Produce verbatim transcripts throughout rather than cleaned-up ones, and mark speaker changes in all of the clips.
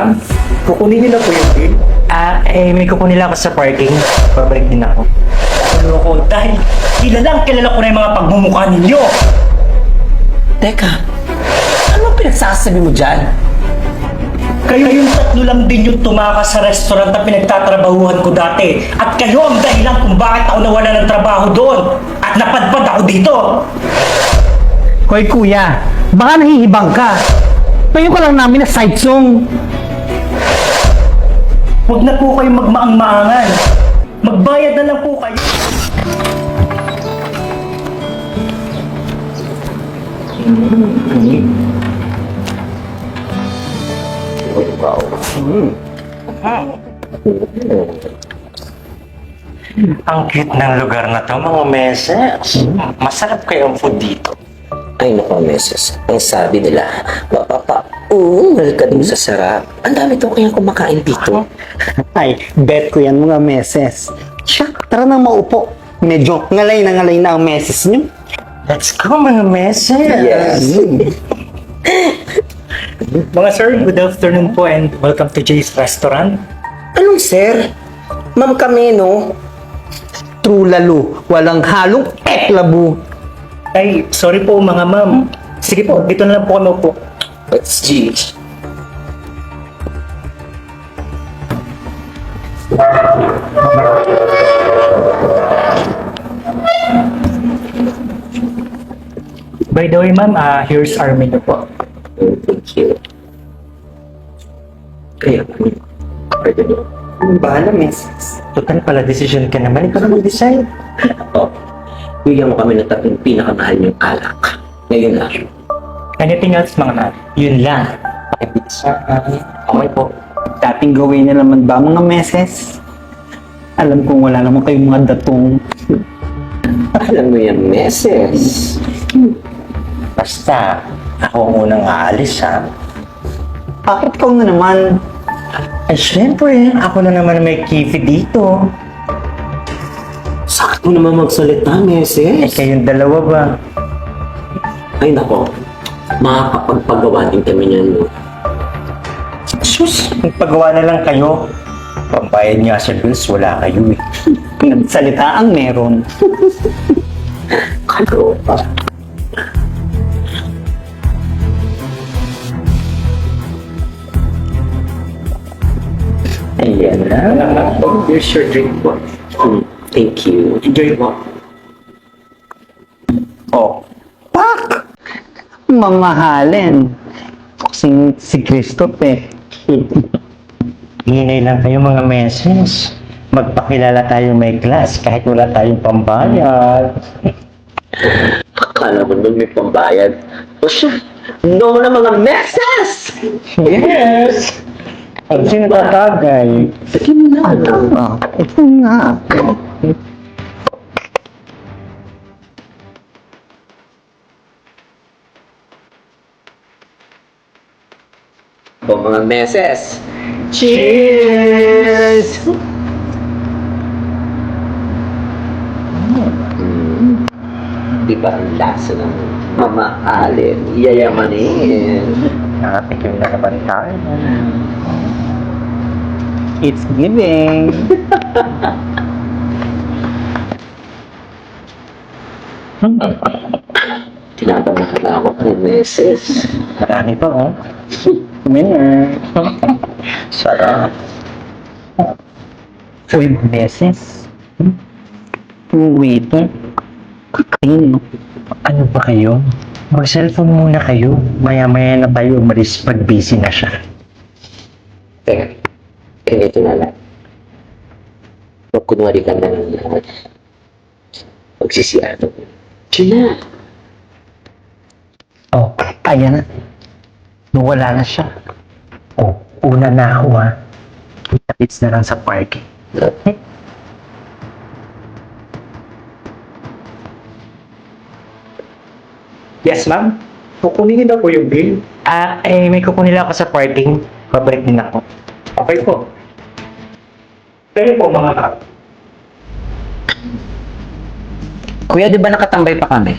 Speaker 1: ma'am. Kukunin niyo na po yung bill.
Speaker 2: Ah, eh, may kukunin lang ako sa parking. Babalik din ako.
Speaker 1: Ano ko, dahil kilalang kilala ko na yung mga pagmumukha ninyo.
Speaker 3: Teka, ano pinagsasabi mo dyan?
Speaker 1: Kayo yung tatlo lang din yung tumakas sa restaurant na pinagtatrabahuhan ko dati. At kayo ang dahilan kung bakit ako nawala ng trabaho doon. At napadpad ako dito.
Speaker 4: Hoy kuya, baka nahihibang ka. Tayo ko lang namin na side song.
Speaker 1: Huwag na po kayong magmaang-maangan. Magbayad na lang po kayo.
Speaker 2: Ang cute ng lugar na to, mga meses. Masarap kayong food dito.
Speaker 3: Ay nako, meses. Ang sabi nila, mapapa-ungal ka dun sa sarap. Ang dami to kayang kumakain dito.
Speaker 4: Ay, bet ko yan mga meses. Siya, tara na maupo. Medyo ngalay na ngalay na ang meses niyo.
Speaker 2: Let's go, mga meses.
Speaker 3: Yes.
Speaker 1: Mga sir, good afternoon po and welcome to Jay's Restaurant.
Speaker 3: Anong sir? Ma'am kami, no?
Speaker 4: True lalo, walang halong eklabu.
Speaker 1: Ay, sorry po mga ma'am. Sige po, dito na lang po kami po.
Speaker 3: It's G.
Speaker 1: By the way ma'am, ah, here's our menu po.
Speaker 3: Thank you. Kaya, pwede nyo.
Speaker 4: Bahala meses.
Speaker 2: Total pala, decision ka naman. Ikaw na mag-decide.
Speaker 3: Oh, bigyan mo kami ng tatlong pinakamahal niyong alak. Ngayon na.
Speaker 1: Anything else mga ma'am?
Speaker 2: Yun lang. Pakipizza. Okay po.
Speaker 4: Dating gawin na naman ba mga meses? Alam kong wala naman kayong mga datong.
Speaker 3: Alam mo yan, meses.
Speaker 2: Basta, ako ang unang aalis, ha?
Speaker 4: Bakit ikaw na naman?
Speaker 2: Ay, syempre, ako na naman may kifi dito.
Speaker 3: Sakto naman magsalita,
Speaker 2: Eh,
Speaker 3: meses.
Speaker 2: kayong dalawa ba?
Speaker 3: Ay nako, makakapagpagawa din kami niyan. No?
Speaker 2: Sus, magpagawa na lang kayo. Pambayad nga sa bills, wala kayo eh.
Speaker 4: Nagsalita ang meron.
Speaker 3: Kaloka.
Speaker 2: Ayan na.
Speaker 1: Here's your drink po.
Speaker 3: Hmm, thank you.
Speaker 1: Enjoy po.
Speaker 4: Oh, pak! Mamahalin. Kasing si Christophe eh.
Speaker 2: Hinay lang kayo mga meses. Magpakilala tayo may class kahit wala tayong pambayad.
Speaker 3: Akala mo nun may pambayad. O siya, no na mga meses!
Speaker 2: Yes! Ang sino tatagay?
Speaker 3: Sige mo na.
Speaker 4: Ah, ito nga.
Speaker 3: O mga meses.
Speaker 4: Cheers!
Speaker 3: Hmm. Di ba ang lasa ng mamaalin, yayamanin?
Speaker 2: Nakatikim na naman tayo.
Speaker 4: It's giving.
Speaker 3: Tinatanong na ako ng meses.
Speaker 2: Marami pa, oh.
Speaker 4: Winner.
Speaker 2: Sarap.
Speaker 4: Uy, beses. Waiter. Kakain.
Speaker 2: Ano ba kayo? Mag-cellphone muna kayo. Maya-maya na tayo umalis pag busy na siya.
Speaker 3: Teka, ganito na lang. Magkunwari ka na lang lahat. Magsisiyado. Diyan na.
Speaker 2: Oh, ayan na. Nawala na siya. Oh, una na ako ha. Kita-kits na lang sa parking.
Speaker 1: Yes ma'am, kukunin niyo na po yung bill.
Speaker 2: Ah, eh, may kukunin lang ako sa parking. Babalik din ako.
Speaker 1: Okay po. Kayo po mga ma'am.
Speaker 5: Kuya, di ba nakatambay pa kami?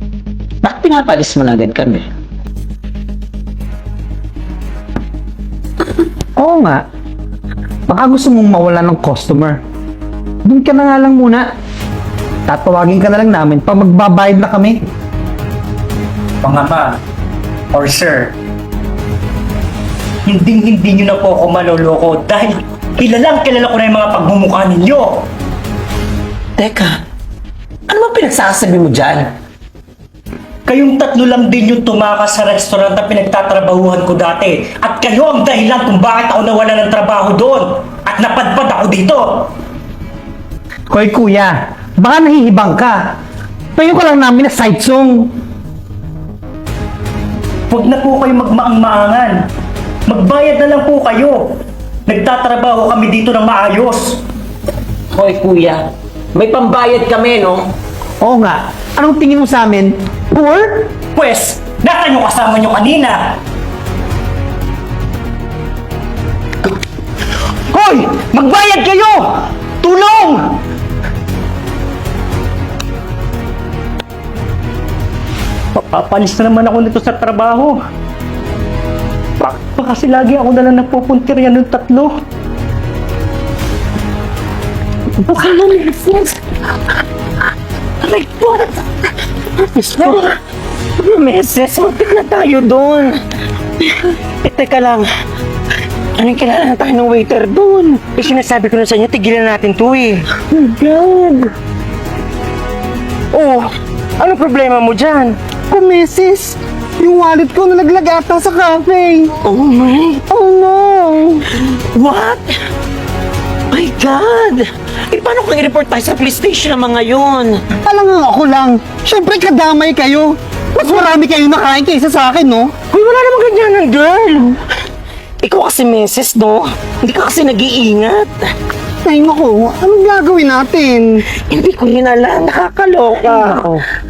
Speaker 5: Bakit pinapalis mo na din kami?
Speaker 4: Oo nga. Baka gusto mong mawala ng customer. Doon ka na nga lang muna. Tatawagin ka na lang namin pag magbabayad na kami.
Speaker 1: Mga ma, or sir, hindi hindi nyo na po ako maloloko dahil kilalang kilala ko na yung mga pagmumukha ninyo.
Speaker 3: Teka, ano ba pinagsasabi mo dyan?
Speaker 1: Kayong tatlo lang din yung tumakas sa restaurant na pinagtatrabahuhan ko dati. At kayo ang dahilan kung bakit ako nawala ng trabaho doon. At napadpad ako dito.
Speaker 4: Koy kuya, baka nahihibang ka. Payo ka lang namin na side song.
Speaker 1: Huwag na po kayo magmaang-maangan. Magbayad na lang po kayo. Nagtatrabaho kami dito ng maayos.
Speaker 3: Hoy kuya, may pambayad kami, no?
Speaker 4: Oo nga, anong tingin mo sa amin? Poor?
Speaker 1: Pwes, nasa yung kasama nyo kanina.
Speaker 4: Hoy! Magbayad kayo! Tulong!
Speaker 1: Papalis na naman ako nito sa trabaho. Bakit pa kasi lagi ako na lang napupuntiryan ng tatlo? Baka naman, Flex. Aray po!
Speaker 3: Meses, mapit na tayo doon. Eh, teka lang. Anong kilala na tayo ng waiter doon? Eh, sinasabi ko na sa inyo, tigilan natin to eh.
Speaker 4: Oh God!
Speaker 3: Oh, ano problema mo dyan?
Speaker 4: Kumisis! Yung wallet ko nalaglag ata sa cafe!
Speaker 3: Oh my...
Speaker 4: Oh no!
Speaker 3: What? My God! Eh, paano kung i-report tayo sa police station ang mga yun?
Speaker 4: Alam nga ako lang, syempre kadamay kayo! Mas marami kayo nakain kaysa sa akin, no?
Speaker 3: Uy, wala namang ganyanan, girl! Ikaw kasi meses, no? Hindi ka kasi nag-iingat.
Speaker 4: Ay naku, anong gagawin natin?
Speaker 3: Hindi ko rin alam, nakakaloka.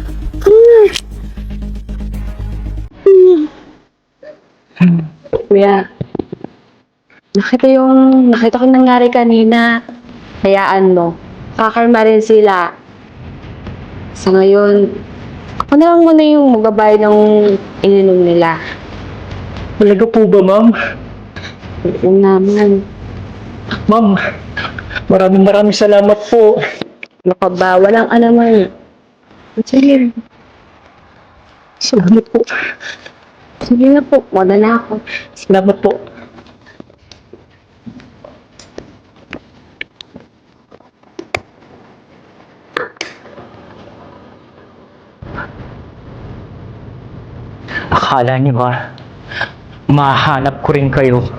Speaker 6: Kuya, nakita yung, nakita ko nangyari kanina. Hayaan mo, kakarma rin sila. Sa ngayon, ako na lang muna yung magbabayad ng ininom nila.
Speaker 1: Talaga po ba, ma'am?
Speaker 6: Oo naman.
Speaker 1: Ma'am, maraming maraming salamat po.
Speaker 6: Ano ka ba? Walang alaman. Sige,
Speaker 1: Salamat po.
Speaker 6: sige na po. Wala na ako.
Speaker 1: Salamat po. Akala niyo ba, mahanap ko rin kayo